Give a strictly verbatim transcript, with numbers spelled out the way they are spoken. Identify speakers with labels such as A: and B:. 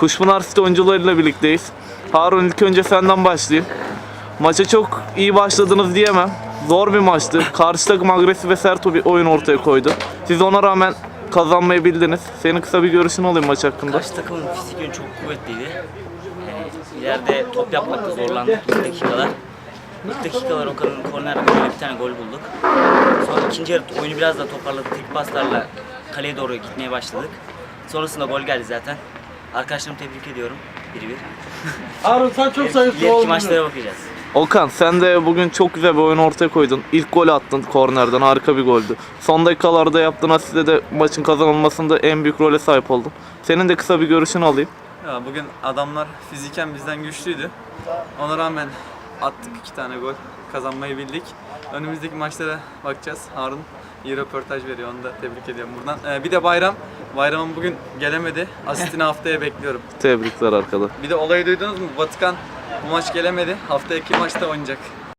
A: Kuşpınar City oyuncularıyla birlikteyiz. Harun, ilk önce senden başlayayım. Maça çok iyi başladınız diyemem. Zor bir maçtı. Karşı takım agresif ve sert bir oyun ortaya koydu. Siz ona rağmen kazanmayı bildiniz. Senin kısa bir görüşün alayım maç hakkında.
B: Karşı takımın fizik yönü çok kuvvetliydi. Yani ileride top yapmakta zorlandık ilk dakikalar. İlk dakikalar Okan'ın korner golüyle bir tane gol bulduk. Sonra ikinci yarı oyunu biraz da toparladık. Tek paslarla kaleye doğru gitmeye başladık. Sonrasında gol geldi zaten. Arkadaşlarımı tebrik ediyorum. bir bir.
C: Harun sen çok zayıf
B: İleriki
C: oldun.
B: maçlara bakacağız.
A: Okan, sen de bugün çok güzel bir oyun ortaya koydun. İlk gol attın kornerden, harika bir goldü. Son dakikalarda yaptığın asiste de maçın kazanılmasında en büyük role sahip oldun. Senin de kısa bir görüşünü alayım.
D: Ya bugün adamlar fiziken bizden güçlüydü. Ona rağmen attık iki tane gol, kazanmayı bildik. Önümüzdeki maçlara bakacağız. Harun iyi röportaj veriyor, onu da tebrik ediyorum buradan. Ee, bir de Bayram. Bayram'ın bugün gelemedi. Asistini haftaya bekliyorum.
A: Tebrikler arkadaşlar.
D: Bir de olayı duydunuz mu? Batıkan bu maç gelemedi. Haftaya iki maçta oynayacak.